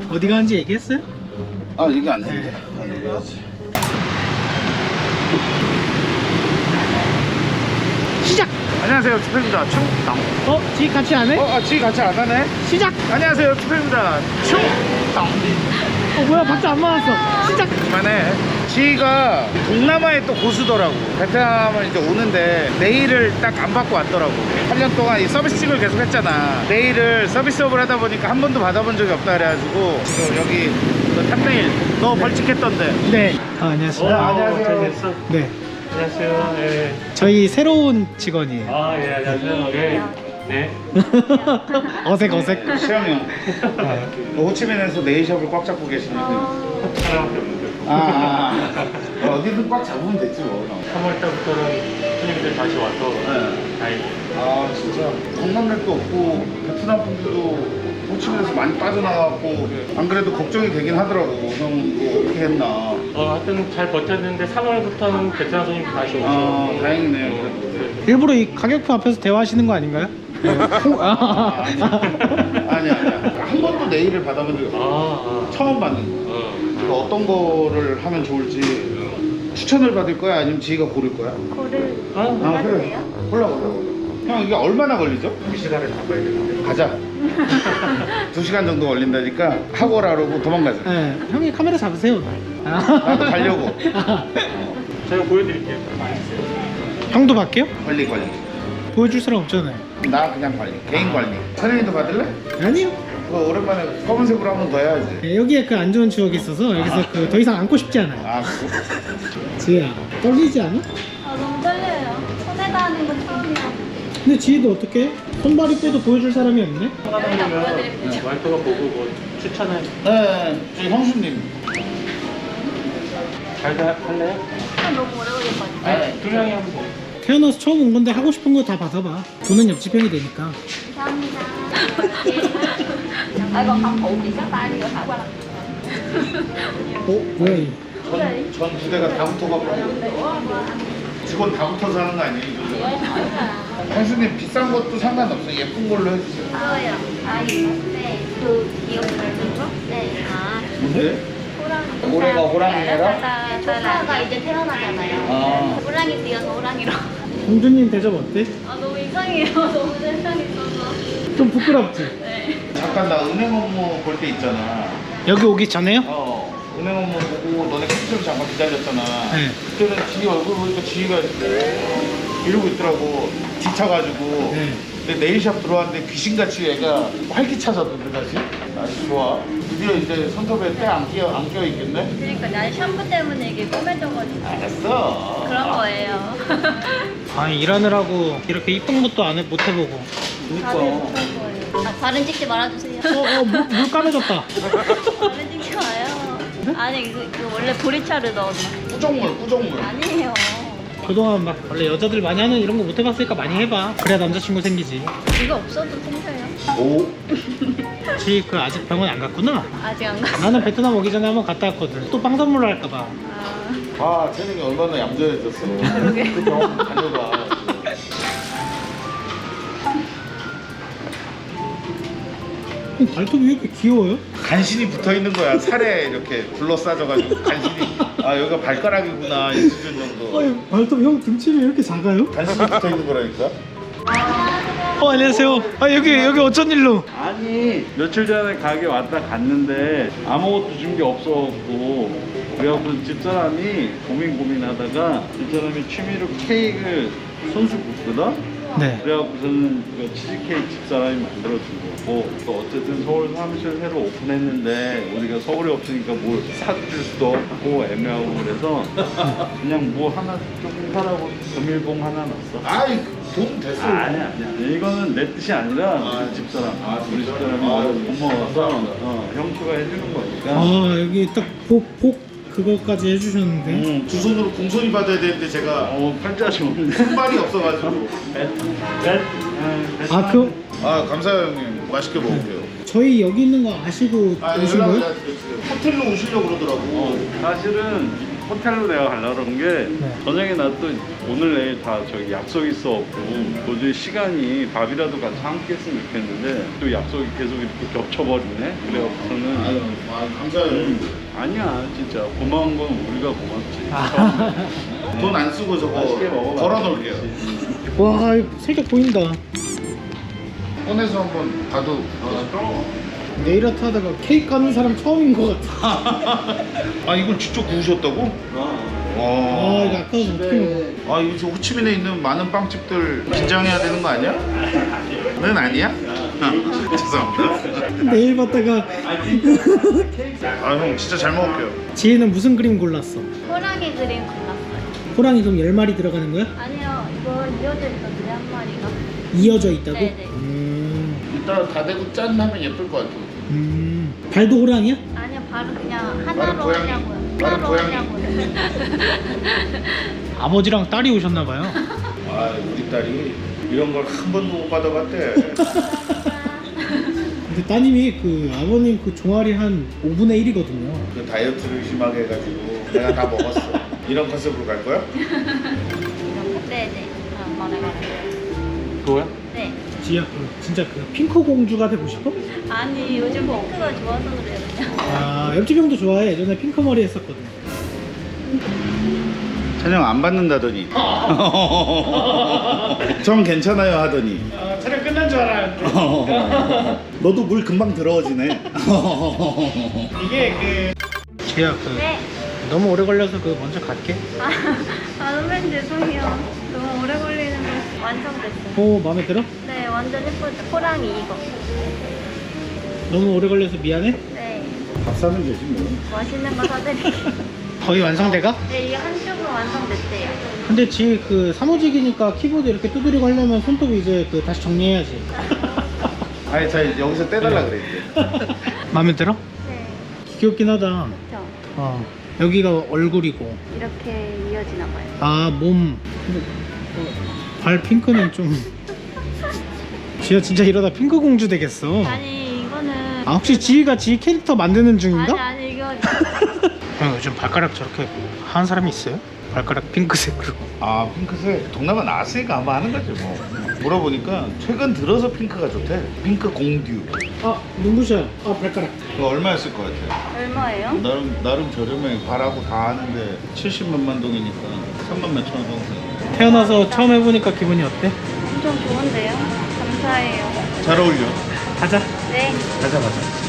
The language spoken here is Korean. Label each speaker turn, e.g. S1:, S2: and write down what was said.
S1: 어디 가는지 얘기했어요?
S2: 아 이게 안 해. 얘기해야지.
S1: 시작!
S2: 안녕하세요, 투표입니다. 충당.
S1: 지희 같이 안 해?
S2: 지금 같이 안 하네.
S1: 시작!
S2: 안녕하세요, 투표입니다. 충당.
S1: 뭐야 박자 안 맞았어. 시작!
S2: 그만해. 지희가 동남아에 또 고수더라고. 베트남을 이제 오는데 네일을 딱 안 받고 왔더라고. 8년 동안 이 서비스직을 계속 했잖아. 네일을 서비스업을 하다 보니까 한 번도 받아본 적이 없다 그래가지고 또 여기 그 탑네일 너 벌칙했던데.
S1: 네. 안녕하세요.
S2: 안녕하세요.
S3: 잘 됐어?
S1: 네.
S3: 안녕하세요. 예.
S1: 저희 새로운 직원이에요.
S3: 예, 안녕하세요. 예. 네.
S1: 어색.
S2: 수영이 형. 호치민에서 네일샵을 꽉 잡고 계시는데.
S3: 하나밖에 없는데.
S2: 어디든 꽉 잡으면 됐지 뭐.
S3: 3월 달부터는 손님들 다시 와서 다행히.
S2: 아 진짜 관광객도 없고 베트남 분들도 호치민에서 많이 빠져나갔고 안 그래도 걱정이 되긴 하더라고. 형 이거 어떻게 했나.
S3: 하여튼 잘 버텼는데 3월부터는 베트남 손님 다시 오죠.
S2: 다행이네요. 그래도.
S1: 일부러 이 가격표 앞에서 대화하시는 거 아닌가요?
S2: 아니야. 한 번도 네일을 받아본 적이 없어. 처음 받는 거. 그러니까 어떤 거를 하면 좋을지 추천을 받을 거야? 아니면 지희가 고를 거야? 그래. 골라. 형 이게 얼마나 걸리죠?
S3: 2시간을 잡아야 되는데.
S2: 가자. 2시간 정도 걸린다니까 하고 오라고 도망가자.
S1: 네. 형이 카메라 잡으세요.
S2: 나도 가려고.
S3: 제가 보여드릴게요.
S1: 형도 받게요?
S2: 관리.
S1: 보여줄 사람 없잖아요.
S2: 나 그냥 관리. 개인 관리. 선생님도 받을래?
S1: 아니요.
S2: 그거 오랜만에 검은색으로 한 번 더 해야지.
S1: 네, 여기에 그 안 좋은 추억이 있어서 여기서 그 더 이상 안고 싶지 않아요.
S2: 그래?
S1: 지희야, 떨리지 않아?
S4: 너무 떨려요. 손에다 하는 건 처음이야.
S1: 근데 지희도 어떻게? 손발이 빼도 보여줄 사람이 없네?
S3: 하다 보면 와이프가 보고 뭐 추천을
S2: 네, 저희 형수님.
S3: 잘 할래요?
S4: 너무 오래 걸릴 것 같아.
S2: 네,
S3: 두 명이 하면 돼.
S1: 태어나서 처음 온 건데 하고 싶은 거 다 받아봐. 돈은 옆집 형이 되니까.
S4: 감사합니다. 이거 không phụ chị các tay đi rồi thả qua lần.
S1: 뭐야 이?
S2: 전 부대가 다 붙어갖고 직원 다 붙어서 하는 거 아니에요? 형수님 비싼 것도 상관없어. 예쁜 걸로 해주세요.
S4: 네. 그 기억나는 거? 네.
S2: 뭔데?
S4: 호랑이.
S2: 올해가 호랑이라?
S4: 조카가 이제 태어나잖아요. 호랑이 뛰어서 호랑이로.
S1: 공주님 대접 어때?
S4: 너무 이상해요. 너무 세상 있어서.
S1: 좀 부끄럽지?
S4: 네.
S2: 잠깐 나 은행 업무 볼 때 있잖아.
S1: 여기 오기 전에요?
S2: 은행 업무 보고 너네 캡처를 잠깐 기다렸잖아.
S1: 네.
S2: 그때는 지희 얼굴 보니까 지희가 이러고 있더라고. 지쳐가지고.
S1: 네.
S2: 근데 네일샵 들어왔는데 귀신같이 얘가 활기차졌던데 다시. 아주 좋아. 드디어 이제 손톱에 때 안 껴 있겠네?
S4: 그러니까 난 샴푸 때문에 이게 꼬매져가지고
S2: 알았어.
S4: 그런 거예요.
S1: 아니 일하느라고 이렇게 이쁜 것도 못 해보고.
S2: 그니까.
S4: 발은 찍지 말아주세요.
S1: 물 까매졌다.
S4: 발은 찍지 마요. 아니 이거 원래 보리차를 넣었나?
S2: 꾸정물.
S4: 아니에요.
S1: 그동안 막 원래 여자들 많이 하는 이런 거 못 해봤으니까 많이 해봐. 그래야 남자친구 생기지.
S4: 이거 없어도 생겨요.
S2: 오.
S1: 지희 그 아직 병원 안 갔구나?
S4: 아직 안 갔어.
S1: 나는 베트남 오기 전에 한번 갔다 왔거든. 또 빵 선물로 할까봐.
S2: 채능이 얼마나 얌전해졌어. 그 병원 다녀봐.
S1: 발톱이 왜 이렇게 귀여워요?
S2: 간신히 붙어 있는 거야. 살에 이렇게 둘러싸져가지고 간신히. 여기가 발가락이구나. 이 수준 정도.
S1: 아니 발톱 형 등치이 이렇게 작아요?
S2: 간신히 붙어 있는 거라니까.
S1: 안녕하세요. 여기 어쩐 일로?
S5: 아니 며칠 전에 가게 왔다 갔는데 아무것도 준 게 없어갖고 그래갖고 집사람이 고민하다가 집사람이 취미로 케이크를 손수 굽거든?
S1: 네.
S5: 그래갖고서는 그 치즈케이크 집사람이 만들어준 거고 또 어쨌든 서울 사무실 새로 오픈했는데 우리가 서울에 없으니까 뭘 사줄 수도 없고 애매하고 그래서 그냥 뭐 하나 조금 사라고 금일봉 하나 놨어.
S2: 돈 됐어.
S5: 아니야. 이거는 내 뜻이 아니라 집사람. 우리 집사람이 고마워서 형수가 해주는 거니까.
S1: 여기 딱 복 그거까지 해주셨는데.
S2: 두 손으로 공손히 받아야 되는데 제가
S5: 팔자시 없네.
S2: 손발이 없어가지고. 감사해요 형님. 맛있게 먹을게요.
S1: 저희 여기 있는 거 아시고 오신 거예요?
S2: 호텔로 오시려고 그러더라고.
S5: 사실은 호텔로 내가 가려고 그런 게
S1: 네.
S5: 저녁에 나 또 오늘 내일 다 저기 약속 있어갖고 도저히 시간이 밥이라도 같이 함께 했으면 좋겠는데 또 약속이 계속 이렇게 겹쳐버리네. 그래갖고서는
S2: 감사해요.
S5: 아니야 진짜 고마운 건 우리가 고맙지.
S2: 돈 안 쓰고 저거
S5: 맛있게 먹어봐.
S2: 걸어놓을게요.
S1: 와, 이거 살짝 보인다.
S2: 꺼내서 한번 봐도.
S1: 네일 아트 하다가 케이크 하는 사람 처음인 것 같아.
S2: 아 이걸 직접 구우셨다고?
S1: 아,
S2: 와.
S1: 이거 아까워서 어떻게 먹어?
S2: 아 이거 저 호치민에 있는 많은 빵집들 긴장해야 되는 거 아니야? 는 아니야? 죄송합니다.
S1: 네일 봤다가
S2: 아 형 진짜 잘 먹을게요.
S1: 지혜는 무슨 그림 골랐어?
S4: 호랑이 그림 골랐어요.
S1: 호랑이 그럼 10마리 들어가는 거야?
S4: 아니요, 이거 이어져 있거든요, 한 마리가.
S1: 이어져 있다고?
S4: 네네.
S2: 이따 다 대고 짠 하면 예쁠 것 같아.
S1: 발도 호랑이야?
S4: 아니요, 바로 그냥
S2: 나는
S4: 하나로
S2: 고양이.
S4: 하냐고요.
S2: 나는
S4: 하나로
S2: 고양이.
S4: 하냐고요.
S1: 아버지랑 딸이 오셨나봐요.
S2: 아 우리 딸이 이런 걸 한 번도 못 받아봤대.
S1: 근데 따님이 그 아버님 그 종아리 한 5분의 1이거든요.
S2: 그 다이어트를 심하게 해가지고 내가 다 먹었어. 이런 컨셉으로 갈 거야?
S4: 네네. 말해봐요.
S3: 그거야?
S4: 네.
S1: 지혜야, 진짜 그 핑크 공주가 되고 싶어?
S4: 아니, 요즘 핑크가 좋아서 그래요, 그냥.
S1: 아, 옆집 형도 좋아해. 예전에 핑크 머리 했었거든.
S2: 촬영 안 받는다더니. 전 괜찮아요 하더니.
S1: 촬영 끝난 줄 알았는데.
S2: 너도 물 금방 들어오지네.
S1: 이게 그 지혜야, 그
S4: 네.
S1: 너무 오래 걸려서 그 먼저 갈게.
S4: 선배님 죄송해요. 너무 오래 걸리는 거 완성됐어요.
S1: 오, 마음에 들어?
S4: 네, 완전 예쁘죠. 호랑이 이거.
S1: 너무 오래 걸려서 미안해?
S4: 네.
S2: 밥 사면 되지 뭐.
S4: 맛있는 거 사드릴게요.
S1: 거의 완성돼가?
S4: 네, 이게 한쪽으로 완성됐대요.
S1: 근데 지혜 그 사무직이니까 키보드 이렇게 두드리고 하려면 손톱 이제 그 다시 정리해야지.
S2: 아니 자 여기서 떼달라 그랬지.
S1: 마음에 들어?
S4: 네.
S1: 귀엽긴 하다.
S4: 그렇죠.
S1: 어, 여기가 얼굴이고.
S4: 이렇게 이어지나 봐요.
S1: 아, 몸. 발 핑크는 좀. 지혜 진짜 이러다 핑크 공주 되겠어.
S4: 아니, 이거는.
S1: 아, 혹시 지혜가 지혜 캐릭터 만드는 중인가?
S4: 아니, 이거.
S1: 형 요즘 발가락 저렇게 하는 사람이 있어요? 발가락 핑크색으로.
S2: 아 핑크색 동남아 나왔으니까 아마 하는 거지 뭐. 물어보니까 최근 들어서 핑크가 좋대. 핑크 공듀.
S1: 아, 눈부셔. 아, 발가락.
S2: 그거 얼마였을 것 같아?
S4: 얼마예요?
S2: 나름 저렴해. 발하고 다 하는데 70몇만 동이니까 3만 몇천 원 정도.
S1: 태어나서 처음 해보니까 기분이 어때?
S4: 엄청 좋은데요? 감사해요.
S2: 잘 어울려.
S1: 가자.
S4: 네.
S2: 가자.